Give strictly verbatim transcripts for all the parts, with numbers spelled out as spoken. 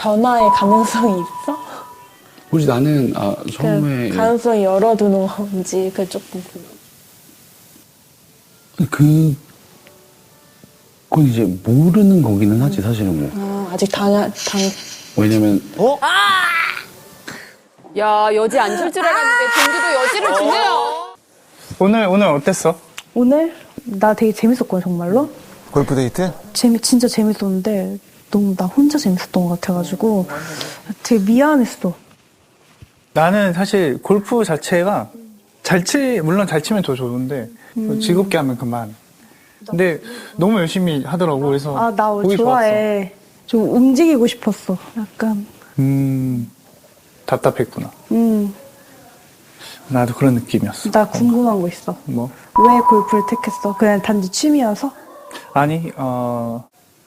변화의 가능성이 있어? 혹시 나는 아, 처음에 그 가능성이 열어두는 건지 그 조금 그 그건 이제 모르는 거기는 하지 사실은 뭐. 아, 아직 당, 당 왜냐면 어? 야, 여지 안 줄 줄 알았는데 동주도 여지를 주네요. 오늘 오늘 어땠어? 오늘 나 되게 재밌었거든 정말로. 골프 데이트? 재미 진짜 재밌었는데 너무 나 혼자 재밌었던 것 같아가지고 되게 미안했어. 나는 사실 골프 자체가 잘 치, 물론 잘 치면 더 좋은데 음. 즐겁게 하면 그만. 근데 너무 열심히 하더라고. 그래서 아 나 보기 좋아해. 좀 움직이고 싶었어. 약간. 좋았어. 음, 답답했구나. 음. 나도 그런 느낌이었어. 나 궁금한 거 있어. 뭐? 왜 골프를 택했어? 그냥 단지 취미여서? 아니, 어,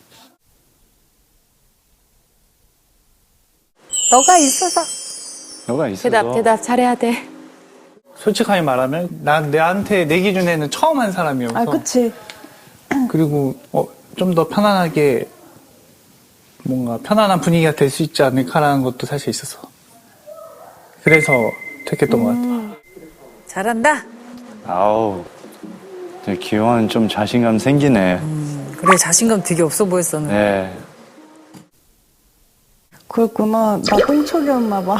너가 있어서. 너가 있어서 대답, 대답 잘해야 돼. 솔직하게 말하면 난 내한테 내 기준에는 처음 한 사람이어서. 아 그치. 그리고 어, 좀 더 편안하게 뭔가 편안한 분위기가 될 수 있지 않을까라는 것도 사실 있어서. 그래서 택했던 것 같아. 잘한다. 아우, 기영아는 좀 자신감 생기네. 그래, 자신감 되게 없어 보였었는데. 네. 그렇구나. 나 똥촉이었나 봐.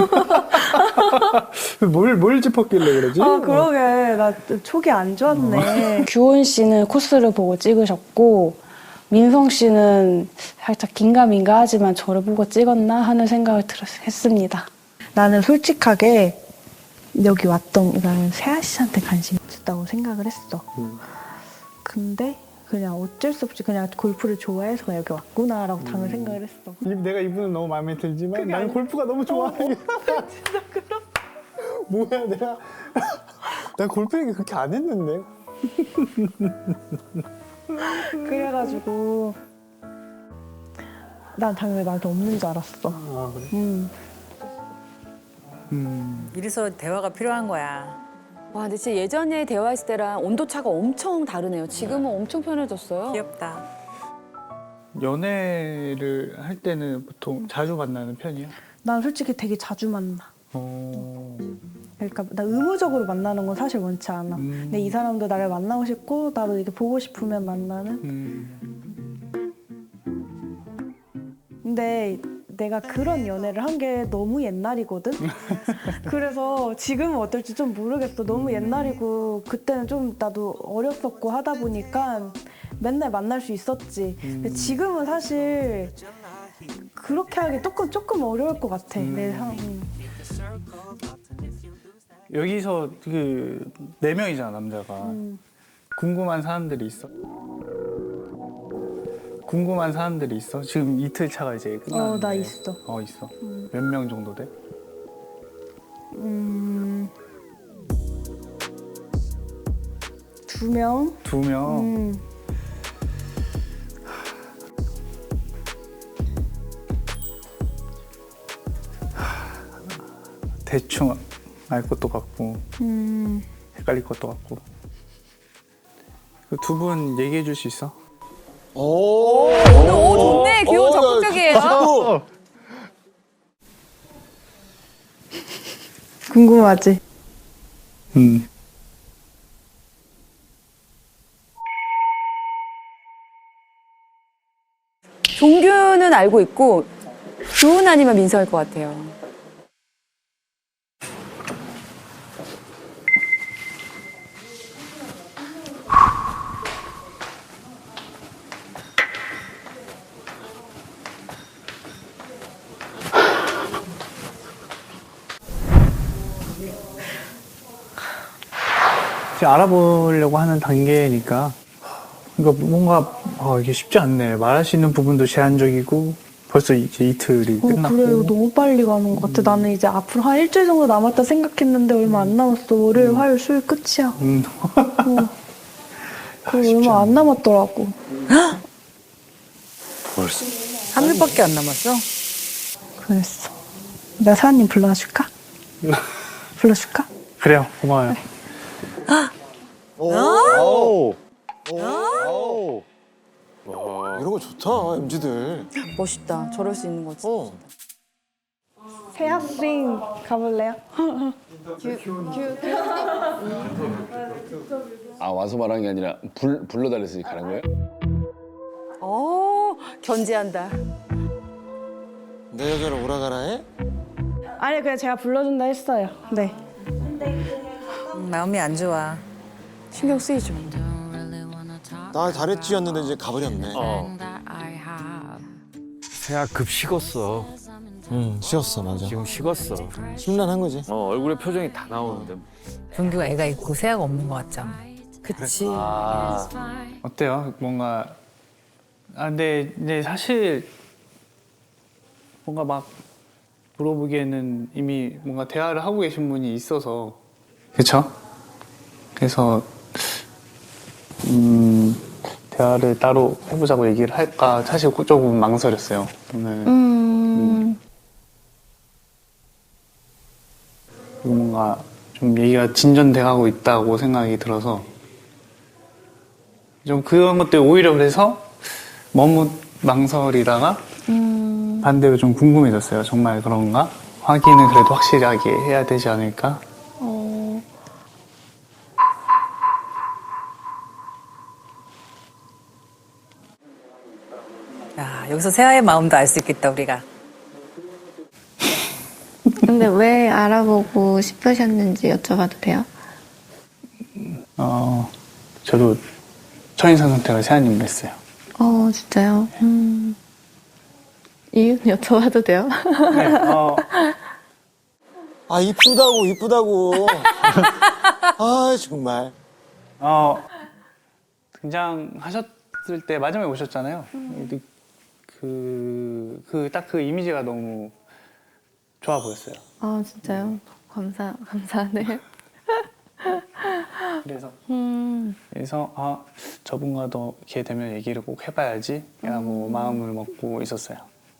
뭘, 뭘 짚었길래 그러지? 아 그러게. 나 촉이 안 좋았네. 규원 씨는 코스를 보고 찍으셨고 민성 씨는 살짝 긴가민가 하지만 저를 보고 찍었나 하는 생각을 들었, 했습니다. 나는 솔직하게 여기 왔던 나는 세아 씨한테 관심이 있었다고 생각을 했어. 음. 근데 그냥 어쩔 수 없이 그냥 골프를 좋아해서 그냥 여기 왔구나라고 당연히 생각을 했어. 이- 내가 이분은 너무 마음에 들지만 나는 골프가 너무 좋아. 진짜 그럼. 뭐야 내가 난 골프 얘기 그렇게 안 했는데. 그래가지고 난 당연히 나한테 없는 줄 알았어. 아 그래? 음. 음. 이래서 대화가 필요한 거야. 와, 근데 진짜 예전에 대화했을 때랑 온도차가 엄청 다르네요. 지금은 엄청 편해졌어요. 귀엽다. 연애를 할 때는 보통 자주 만나는 편이야? 난 솔직히 되게 자주 만나. 어. 그러니까 나 의무적으로 만나는 건 사실 원치 않아. 음. 근데 이 사람도 나를 만나고 싶고 나도 이렇게 보고 싶으면 만나는. 음. 근데 내가 그런 연애를 한 게 너무 옛날이거든. 그래서 지금은 어떨지 좀 모르겠어. 너무 옛날이고 그때는 좀 나도 어렸었고 하다 보니까 맨날 만날 수 있었지. 근데 지금은 사실 그렇게 하기 조금 조금 어려울 것 같아. 내 상. 여기서 그 네 명이잖아 남자가. 음. 궁금한 사람들이 있어? 궁금한 사람들이 있어? 지금 이틀 차가 이제 끝났는데. 어, 나 있어. 어 있어. 몇 명 정도 돼? 음. 두 명. 두 명. 음. 대충 알 것도 같고 음. 헷갈릴 것도 같고. 그 두 분 얘기해 줄 수 있어? 오, 오늘 오, 좋네. 귀여워, 적극적이에요. 궁금하지? 음. 종규는 알고 있고 규훈 아니면 민서일 것 같아요. 지금 알아보려고 하는 단계니까 그러니까 뭔가 아, 이게 쉽지 않네. 말할 수 있는 부분도 제한적이고 벌써 이제 이틀이 어, 끝났고. 그래, 이거 너무 빨리 가는 것 같아. 나는 이제 앞으로 한 일주일 정도 남았다 생각했는데 얼마 안 남았어. 월요일, 화요일, 수요일 끝이야. 음. 어. 그리고 얼마 안 남았더라고. 벌써 한 일밖에 안 남았어? 그랬어. 내가 사장님 불러줄까? 불러줄까? 그래요. 고마워요. 오, 오, 오, 오. 이런 거 거 좋다, 엠지들. 멋있다. 저럴 수 있는 거지. 어. 세아싱 가볼래요? 아 와서 말하는 게 아니라 불 불러달랬으니 가는 거예요? 어, 견제한다. 내 여자를 오라가라 해? 아니 그냥 제가 불러준다 했어요. 네. 음, 마음이 안 좋아. 신경 쓰이죠. 나 잘했지였는데 이제 가버렸네. 어. 세아 급 식었어. 응, 쉬었어, 맞아. 지금 식었어. 심란한 거지. 어 얼굴에 표정이 다 나오는데. 종규가 애가 있고 세아가 없는 것 같잖아. 그치. 아 어때요? 뭔가 아 근데 이제 사실 뭔가 막 물어보기에는 이미 뭔가 대화를 하고 계신 분이 있어서 그렇죠? 그래서 음 대화를 따로 해보자고 얘기를 할까 사실 조금 망설였어요 오늘. 음. 그리고 뭔가 좀 얘기가 진전돼가고 있다고 생각이 들어서 좀 그런 것들 오히려 그래서 너무 망설이다가 음. 반대로 좀 궁금해졌어요. 정말 그런가? 확인을 그래도 확실하게 해야 되지 않을까? 어. 야, 여기서 세아의 마음도 알 수 있겠다, 우리가. 근데 왜 알아보고 싶으셨는지 여쭤봐도 돼요? 어, 저도 첫인상 선택을 세아님으로 했어요. 어, 진짜요? 음. 이유는 여쭤봐도 돼요? 네, 어, 아, 이쁘다고, 이쁘다고. 아, 정말. 어, 등장하셨을 때 마지막에 오셨잖아요. 그, 그, 딱 그 이미지가 너무 좋아 보였어요. 아, 진짜요? 감사, 감사하네요. 그래서, 음. 그래서, 아, 저분과도 기회 되면 얘기를 꼭 해봐야지. 라고 마음을 먹고 있었어요.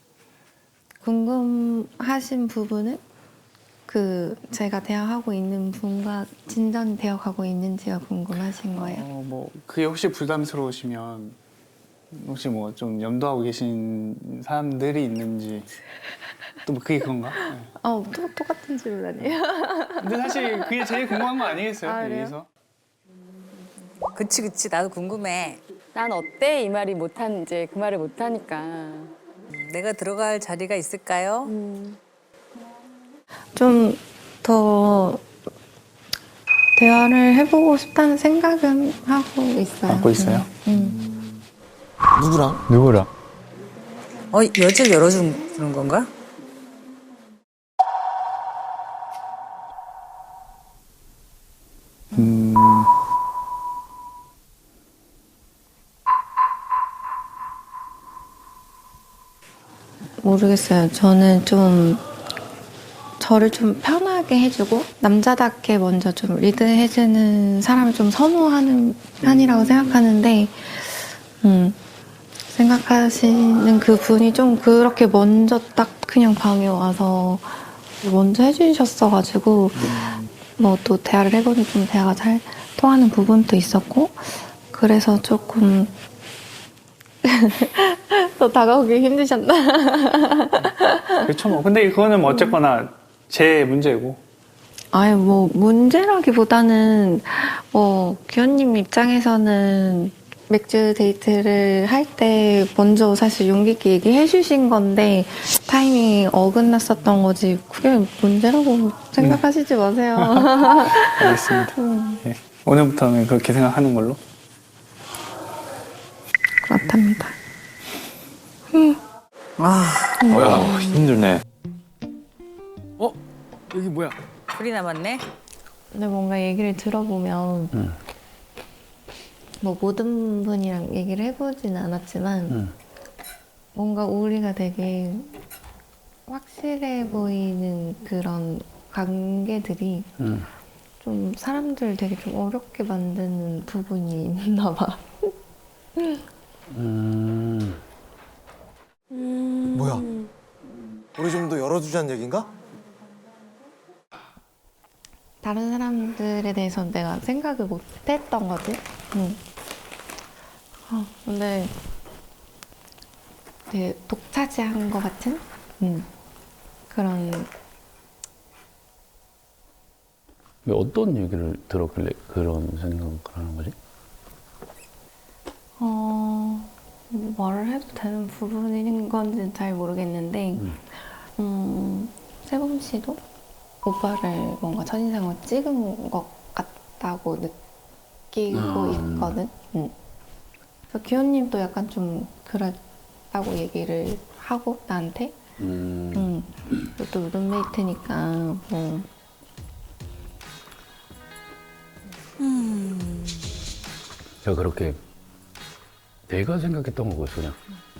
궁금하신 부분은 그 제가 대화하고 있는 분과 진전되어 가고 있는지가 궁금하신 거예요. 어, 뭐, 그게 혹시 부담스러우시면, 혹시 뭐 좀 염두하고 계신 사람들이 있는지, 또 뭐 그게 그건가? 네. 어, 또 똑같은 질문 아니에요? 근데 사실 그게 제일 궁금한 거 아니겠어요? 아, 그래요? 여기서? 그치, 그치. 나도 궁금해. 난 어때? 이 말이 못한, 이제 그 말을 못하니까. 내가 들어갈 자리가 있을까요? 좀 더 대화를 해보고 싶다는 생각은 하고 있어요. 갖고 있어요? 음. 누구랑? 누구랑? 어, 여지를 열어주는 건가? 음, 모르겠어요. 저는 좀 저를 좀 편하게 해주고 남자답게 먼저 좀 리드해주는 사람을 좀 선호하는 편이라고 생각하는데 음, 생각하시는 그 분이 좀 그렇게 먼저 딱 그냥 방에 와서 먼저 해주셨어가지고 뭐 또 대화를 해보니 좀 대화가 잘 통하는 부분도 있었고 그래서 조금 더 다가오기 힘드셨나? 그렇죠 뭐. 근데 그거는 뭐 어쨌거나 제 문제고. 아유, 뭐, 문제라기보다는, 뭐, 규현님 입장에서는 맥주 데이트를 할 때 먼저 사실 용기 있게 얘기해 주신 건데, 타이밍이 어긋났었던 거지, 그게 문제라고 생각하시지 마세요. 알겠습니다. 네. 오늘부터는 그렇게 생각하는 걸로. 그렇답니다. 아, 어, 힘들네. 어 여기 뭐야? 풀이 남았네. 근데 뭔가 얘기를 들어보면, 응. 뭐, 모든 분이랑 얘기를 해보진 않았지만, 응. 뭔가 우리가 되게 확실해 보이는 그런 관계들이 응. 좀 사람들 되게 좀 어렵게 만드는 부분이 있나 봐. 음. 뭐야? 우리 좀 더 열어두자는 얘긴가? 다른 사람들에 대해서 내가 생각을 못 했던 거지. 응. 아, 근데 되게 독차지한 것 같은 음, 그런 왜 어떤 얘기를 들었길래 그런 생각을 하는 거지? 어 말을 해도 되는 부분인 건지는 잘 모르겠는데 음. 음, 세범 씨도 오빠를 뭔가 첫인상으로 찍은 것 같다고 느끼고 음. 있거든. 음. 그래서 기현님도 약간 좀 그랬다고 얘기를 하고 나한테 음. 음. 또 룸메이트니까 뭐 제가 그렇게 내가 생각했던 거였어 그냥.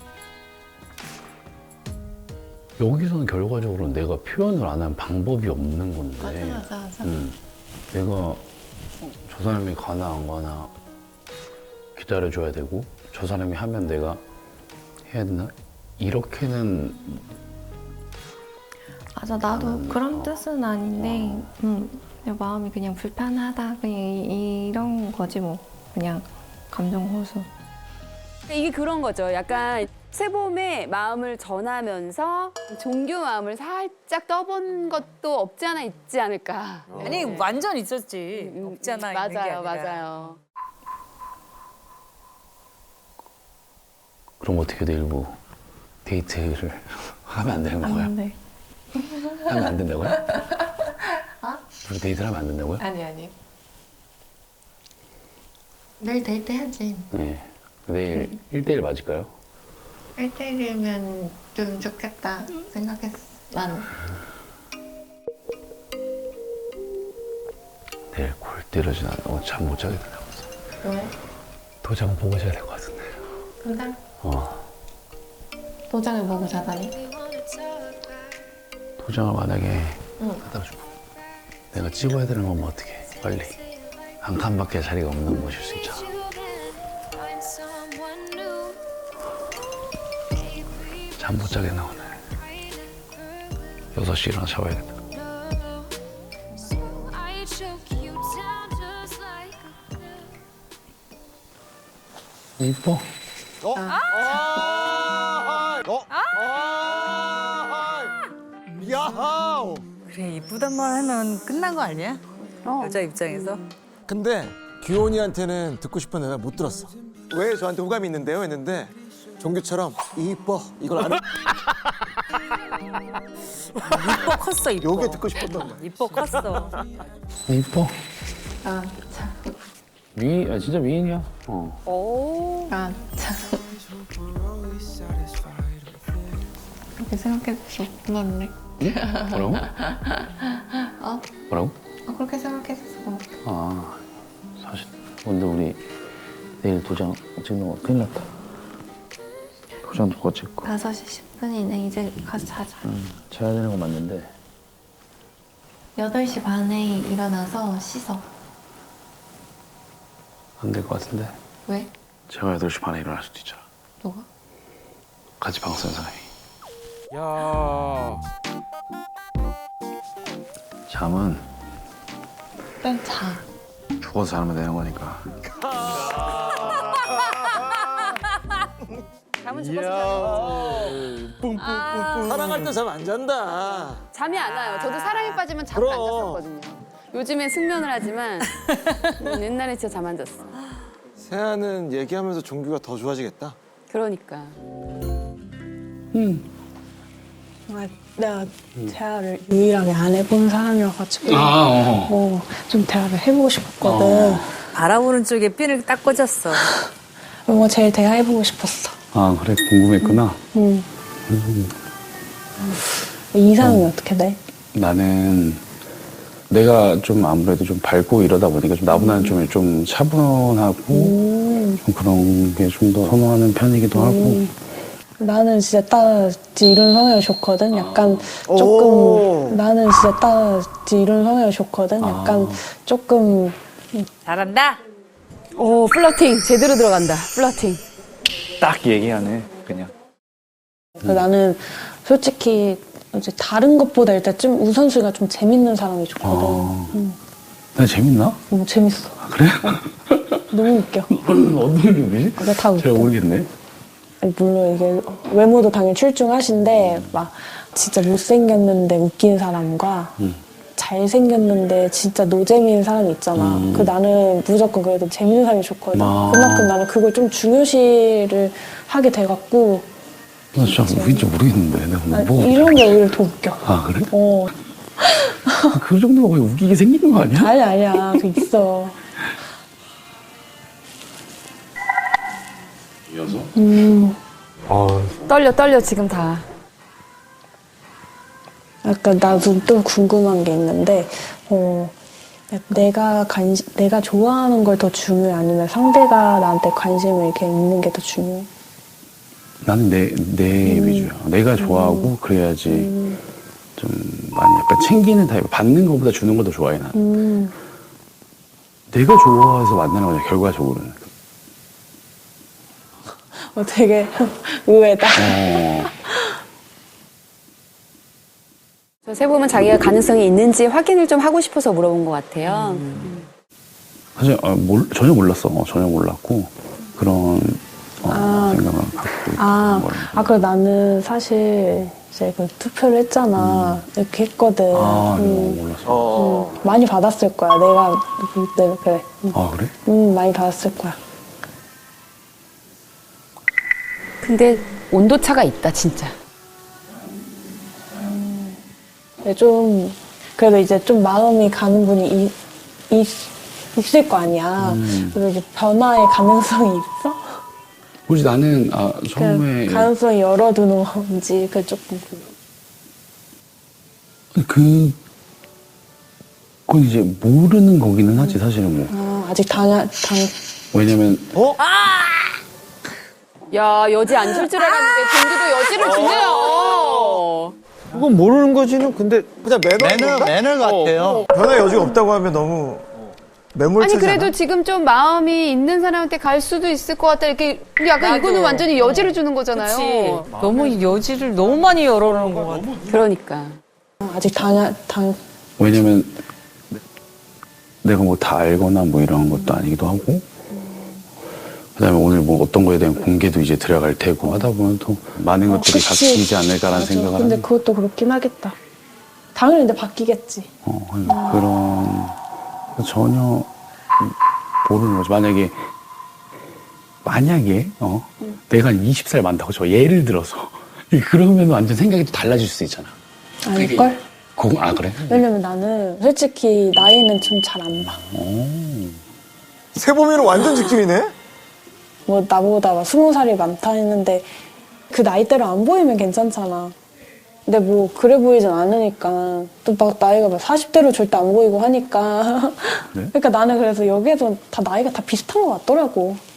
여기서는 결과적으로 내가 표현을 안 한 방법이 없는 건데. 맞아 맞아. 음, 내가 저 사람이 가나 안 가나 기다려줘야 되고 저 사람이 하면 내가 해야 되나? 이렇게는 맞아 나도 나는, 그런 어. 뜻은 아닌데 음, 그냥 마음이 그냥 불편하다 그냥 이, 이런 거지 뭐 그냥 감정 호소. 이게 그런 거죠. 약간 세봄의 마음을 전하면서 종교 마음을 살짝 떠본 것도 없지 않아 있지 않을까. 아니 완전 있었지. 음, 없잖아. 맞아요, 있는 게 아니라. 맞아요. 그럼 어떻게 돼 일부 데이트를 하면 안 되는 거야? 안 돼. 하면 안 된다고요? 어? 우리 데이트를 하면 안 된다고요? 아니 아니. 내일 데이트 해야지. 네. 내일 일 대일 맞을까요? 일 대일이면 좀 좋겠다 생각했어. 난 내일 골 때려진 않고 잠 못 자게 된다고. 왜? 도장 보고 자야 될 것 같은데. 도장? 어. 도장을 보고 자다니? 도장을 만약에 응. 갖다 주고 내가 찍어야 되는 건 뭐 어떻게 빨리 한 칸밖에 자리가 없는 곳일 수 있잖아. 잠 못 자겠나 오늘. 여섯 시 일어나 샤워해야겠다. 이뻐. 어? 아, 어? 아, 야하우. 그래 이쁘단 말 하면 끝난 거 아니야? 여자 입장에서. 근데 규현이한테는 듣고 싶은 대답 못 들었어. 왜 저한테 호감이 있는데요? 했는데 종규처럼 이뻐 이걸 안 해. 이뻐 컸어 이뻐. 요게 듣고 싶었던 거야. 이뻐 컸어. 이뻐. 아 참. 미인, 아, 진짜 미인이야. 어. 오. 아 참. 그렇게 생각해서 고맙네. 뭐라고? 어? 뭐라고? 어, 그렇게 생각해서 고맙다. 아, 사실 근데 우리 내일 도장 찍는 거 큰일 났다. 도장 누가 찍고. 다섯 시 십 분이네. 이제 가서 자자. 음, 자야 되는 거 맞는데. 여덟 시 반에 일어나서 씻어. 안 될 것 같은데. 왜? 제가 여덟 시 반에 일어날 수도 있잖아. 너가? 같이 방 쓴 사람이. 야. 잠은 일단 자. 죽어서 자면 되는 거니까. 잠은 죽어서 뿡뿡뿡뿡. 사랑할 때 잠 안 잔다. 잠이 안 와요. 저도 사랑에 빠지면 잠을 안 그럼. 잤었거든요. 요즘엔 숙면을 하지만 음, 옛날에 진짜 잠 안 잤어. 세아는 얘기하면서 종규가 더 좋아지겠다. 그러니까. 정말 내가 대화를 유일하게 안 해본 사람이어가지고 아, 어. 뭐 좀 대화를 해보고 싶었거든. 바라보는 쪽에 핀을 딱 꽂았어. 뭔가 제일 대화해보고 싶었어. 아, 그래? 궁금했구나. 응. 이상이 어. 어떻게 돼? 나는 내가 좀 아무래도 좀 밝고 이러다 보니까 좀 나보다는 좀, 좀 차분하고 음. 좀 그런 게 좀 더 선호하는 편이기도 하고. 나는 진짜 따지 이런 성향이 좋거든. 약간 오. 조금 나는 진짜 따지 이런 성향이 좋거든. 약간 아. 조금 잘한다. 오, 플러팅 제대로 들어간다. 플러팅. 딱 얘기하네 그냥. 나는 솔직히 이제 다른 것보다 일단 좀 우선순위가 좀 재밌는 사람이 좋거든. 아. 응. 나 재밌나? 너무 재밌어. 아, 그래? 너무 웃겨. 어떤 느낌이지? 그게 다 웃겨. 잘 모르겠네. 물론 이게 외모도 당연히 출중하신데 막 진짜 못생겼는데 웃긴 사람과 음. 잘생겼는데 진짜 노재미인 사람이 있잖아. 음. 그 나는 무조건 그래도 재밌는 사람이 좋거든. 아. 그만큼 나는 그걸 좀 중요시를 하게 돼갖고 나 진짜 웃긴지 모르겠는데 내가 아, 뭐 이런 게 오히려 더 웃겨. 아 그래? 어. 그 정도면 거의 웃기게 생기는 거 아니야? 아니 아니야. 그 있어. 이어서? 음. 떨려 떨려 지금 다. 약간 나도 또 궁금한 게 있는데, 어, 내가 관심, 내가 좋아하는 걸 더 중요해? 아니면 상대가 나한테 관심을 이렇게 있는 게 더 중요해? 나는 내, 내 음. 위주야. 내가 좋아하고 그래야지 음. 좀 많이 약간 챙기는 타입. 받는 것보다 주는 걸 더 좋아해, 나는. 음. 내가 좋아해서 만나는 거냐, 결과적으로는. 어, 되게 의외다. 어. 저 세범은 자기가 가능성이 있는지 확인을 좀 하고 싶어서 물어본 것 같아요. 사실 어, 몰, 전혀 몰랐어. 어, 전혀 몰랐고 그런 어, 아. 생각을 갖고 아, 있는 거예요. 아, 그래 나는 사실 이제 그 투표를 했잖아. 이렇게 했거든. 아, 음. 이거 몰랐어. 어. 음, 많이 받았을 거야. 내가 볼 때는 그래. 음, 아, 그래? 음, 많이 받았을 거야. 근데 온도 차가 있다 진짜. 근데 좀 그래도 이제 좀 마음이 가는 분이 이, 이, 있을 거 아니야. 음. 그래서 이제 변화의 가능성이 있어? 혹시 나는 아, 처음에 그 가능성이 열어두는 건지 그 조금 궁금해. 그 그건 이제 모르는 거기는 하지 사실은 뭐. 아, 아직 당, 당, 왜냐면 야 여지 안 줄 줄 알았는데 종규도 여지를 주네요. 그건 모르는 거지는 근데 그냥 매너 매너 같아요. 변화 여지가 없다고 하면 너무 매몰차잖아. 아니 그래도 지금 좀 마음이 있는 사람한테 갈 수도 있을 것 같다 이렇게. 근데 약간 나도. 이거는 완전히 여지를 주는 거잖아요. 너무 여지를 너무 많이 열어놓은 것 같아. 그러니까. 아직 당, 당, 왜냐면 내가 뭐 다 알거나 뭐 이런 것도 아니기도 하고 그다음에 오늘 뭐 어떤 거에 대한 공개도 이제 들어갈 테고 하다 보면 또 많은 것들이 그치. 바뀌지 않을까라는 맞아. 생각을 근데 하는 그것도 그렇긴 하겠다. 당연히 근데 바뀌겠지. 어, 그런 전혀 모르는 거죠. 만약에 만약에 어 내가 한 스무 살 많다고 저 예를 들어서 그러면 완전 생각이 또 달라질 수 있잖아. 아닐걸? 그거 아 그래? 왜냐면 나는 솔직히 나이는 좀 잘 안 봐. 세범이는 완전 직진이네. 뭐 나보다 막 스무 살이 많다 했는데 그 나이대로 안 보이면 괜찮잖아. 근데 뭐 그래 보이진 않으니까 또 막 나이가 막 사십 대로 절대 안 보이고 하니까 그래? 그러니까 나는 그래서 여기에서 다 나이가 다 비슷한 것 같더라고.